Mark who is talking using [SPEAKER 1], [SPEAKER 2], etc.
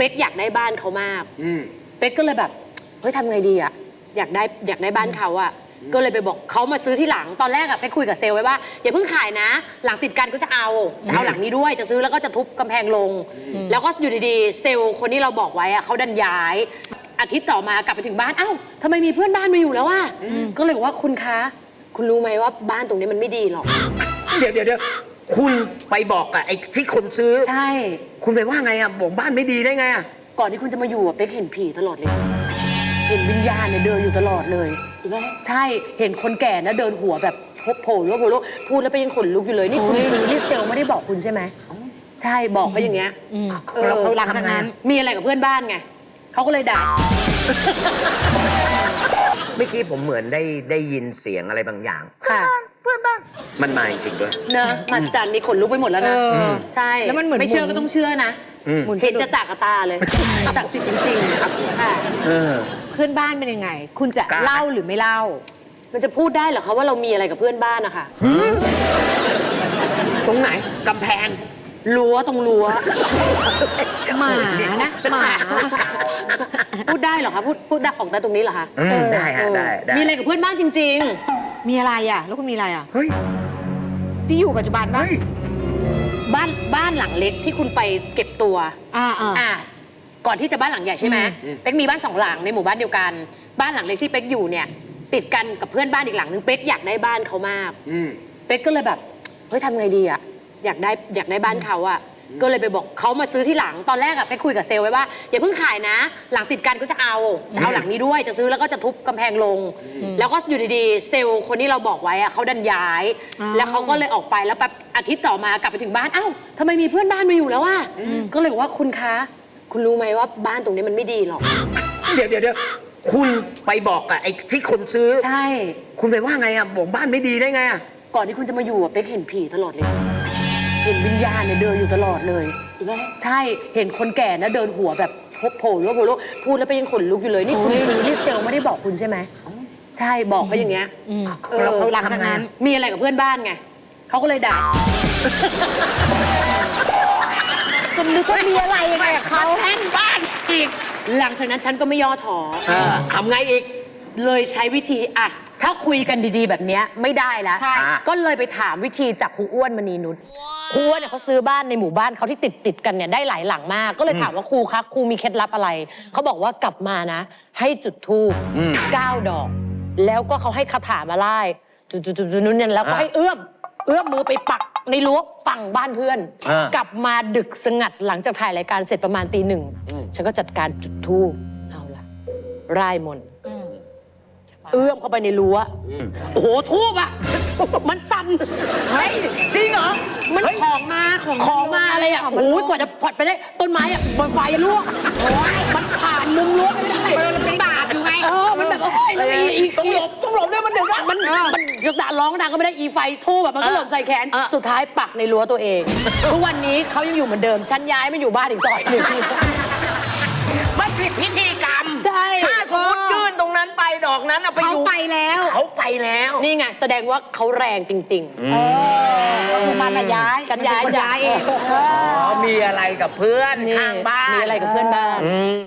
[SPEAKER 1] ป๊กอยากได้บ้านเขามากเป๊กก็เลยแบบเฮ้ยทำไงดีอะอยากได้บ้านเขาอะก็เลยไปบอกเขามาซื้อที่หลังตอนแรกอะไปคุยกับเซลล์ไว้ว่าอย่าเพิ่งขายนะหลังติดกันก็จะเอาหลังนี้ด้วยจะซื้อแล้วก็จะทุบกำแพงลงแล้วก็อยู่ดีๆเซลล์คนที่เราบอกไว้อะเขาดันย้ายอาทิตย์ต่อมากลับไปถึงบ้านเอ้าทำไมมีเพื่อนบ้านมาอยู่แล้วอะก็เลยบอกว่าคุณคะคุณรู้ไหมว่าบ้านตรงนี้มันไม่ดีหรอก
[SPEAKER 2] เดี๋ยวคุณไปบอกกับไอ้ที่คนซื้อ
[SPEAKER 1] ใช่
[SPEAKER 2] คุณไปว่าไงอะบอกบ้านไม่ดีได้ไงอะ
[SPEAKER 1] ก่อนที่คุณจะมาอยู่อะเป๊กเห็นผีตลอดเลยเห็นวิญญาณเนี่ยเดินอยู่ตลอดเลยใช่เห็นคนแก่นะเดินหัวแบบโผล่พูดแล้วไปยังขนลุกอยู่เลยนี่คุณซื้อรีดเซลไม่ได้บอกคุณใช่ไหมใช่บอกไปอย่างเงี้ยหลังจากนั้นมีอะไรกับเพื่อนบ้านไงเขาก็เลยด่า
[SPEAKER 2] เมื่อกี้ผมเหมือนได้ยินเสียงอะไรบางอย่างเพื่อนบ้านมันมาจริงๆด้วย
[SPEAKER 1] นะมาจันนี่ขนลุกไปหมดแล้วนะใช่
[SPEAKER 3] แล้วมันเหมือน
[SPEAKER 1] ไม่เชื่อก็ต้องเชื่อนะเห็นจะจากตาเลยศักดิ์สิทธิ์จริงๆครับค่ะ
[SPEAKER 3] เพื่อนบ้านเป็นยังไงคุณจะเล่าหรือไม่เล่า
[SPEAKER 1] มันจะพูดได้เหรอคะว่าเรามีอะไรกับเพื่อนบ้านนะคะ
[SPEAKER 2] ตรงไหนกำแพง
[SPEAKER 1] รั้วตรงรั้ว
[SPEAKER 3] หมานะหมา
[SPEAKER 1] พูดได้เหรอคะพูดได้ออกได้ตรงนี้เหรอคะ
[SPEAKER 2] ได้ฮะได้
[SPEAKER 1] มีอะไรกับเพื่อนบ้านจริง
[SPEAKER 3] ๆมีอะไรอ่ะแล้วคุณมีอะไรอ่ะ
[SPEAKER 2] เฮ้ย
[SPEAKER 3] ที่อยู่ปัจจุบัน
[SPEAKER 1] บ้านหลังเล็กที่คุณไปเก็บตัวก่อนที่จะบ้านหลังใหญ่ใช่ไหมเป๊กมีบ้าน2 หลังในหมู่บ้านเดียวกันบ้านหลังเล็กที่เป๊กอยู่เนี่ยติดกันกับเพื่อนบ้านอีกหลังนึงเป๊กอยากได้บ้านเขามากเป๊กก็เลยแบบเฮ้ยทำไงดีอะอยากได้บ้านเขาอะก็เลยไปบอกเขามาซื้อที่หลังตอนแรกอะไปคุยกับเซลล์ไว้ว่าอย่าเพิ่งขายนะหลังติดกันก็จะเอาหลังนี้ด้วยจะซื้อแล้วก็จะทุบกำแพงลงแล้วก็อยู่ดีๆเซลล์คนที่เราบอกไว้อะเขาดันย้ายแล้วเขาก็เลยออกไปแล้วแป๊บอาทิตย์ต่อมากลับไปถึงบ้านเอ้าทำไมมีเพื่อนบ้านมาอยู่แล้วอะก็เลยบอกว่าคุณคะคุณรู้ไหมว่าบ้านตรงนี้มันไม่ดีหรอก
[SPEAKER 2] เดี๋ยวคุณไปบอกกับไอ้ที่คนซื้อ
[SPEAKER 1] ใช่
[SPEAKER 2] คุณไปว่าไงอะบอกบ้านไม่ดีได้ไงอะ
[SPEAKER 1] ก่อนที่คุณจะมาอยู่อะเป๊กเห็นผีตลอดเลยเห็นวิญญาณเนี่ยเดินอยู่ตลอดเลยใช่เห็นคนแก่นะเดินหัวแบบโผล่พูดแล้วไปยังขนลุกอยู่เลยนี่คุณซื้อรีดเซลไม่ได้บอกคุณใช่ไหมใช่บอกไปอย่างเงี้ยหลังจากนั้นมีอะไรกับเพื่อนบ้านไงเขาก็เลยด่า
[SPEAKER 3] จนนึกว่ามีอะไรยังไงกับเขา
[SPEAKER 1] แช่งบ้านอีกหลังจากนั้นฉันก็ไม่ย่อท้อ
[SPEAKER 2] ทำไงอีก
[SPEAKER 1] เลยใช้วิธีอ่ะถ้าคุยกันดีๆแบบนี้ไม่ได้แล้วก็เลยไปถามวิธีจากครูอ้วนมณีนุชครูอ้วนเนี่ยเขาซื้อบ้านในหมู่บ้านเขาที่ติดกันเนี่ยได้หลายหลังมากก็เลยถามว่าครูคะครูมีเคล็ดลับอะไรเขาบอกว่ากลับมานะให้จุดธูป9 ดอกแล้วก็เขาให้คาถามาไล่จุดนู้นเนี่ยแล้วก็ให้เอื้อมมือไปปักในรั้วฝั่งบ้านเพื่อนกลับมาดึกสงัดหลังจากถ่ายรายการเสร็จประมาณตี 1ฉันก็จัดการจุดธูปเอาละร่ายมนต์เอื้อมเข้าไปในรั้วโอ้โหทูบอ่ะมันสั่นเฮ้ยจริงเหรอมันของมาอะไรอ่ะโอ้ยกว่าจะผลัดไปได้ต้นไม้อ่ะบนไฟลวกมันผ่านมุมรั้วไม่ได้มันเป็นบาปอยู่ไงมันแบบโอ้ยต้องหลบด้วยมันดึกอ่ะมันจะด่าร้องดังก็ไม่ได้อีไฟทูบแบบมันก็หล่นใส่แขนสุดท้ายปักในรั้วตัวเองทุกวันนี้เขายังอยู่เหมือนเดิมฉันย้ายมาอยู่บ้านอีกซอยหนึ่ง
[SPEAKER 2] มันผิดพิธีกรรม
[SPEAKER 1] ใช่
[SPEAKER 2] ถ้าสมมติยื่นตรงนั้นไปดอกนั้นไปอยู่
[SPEAKER 3] เขาไปแล้ว
[SPEAKER 1] นี่ไงแสดงว่าเขาแรงจริง
[SPEAKER 3] คือมันย้าย
[SPEAKER 1] ฉันย้าย
[SPEAKER 3] เอง
[SPEAKER 2] มีอะไรกับเพื่อนข้างบ้าน
[SPEAKER 1] มีอะไรกับเพื่อนบ้าน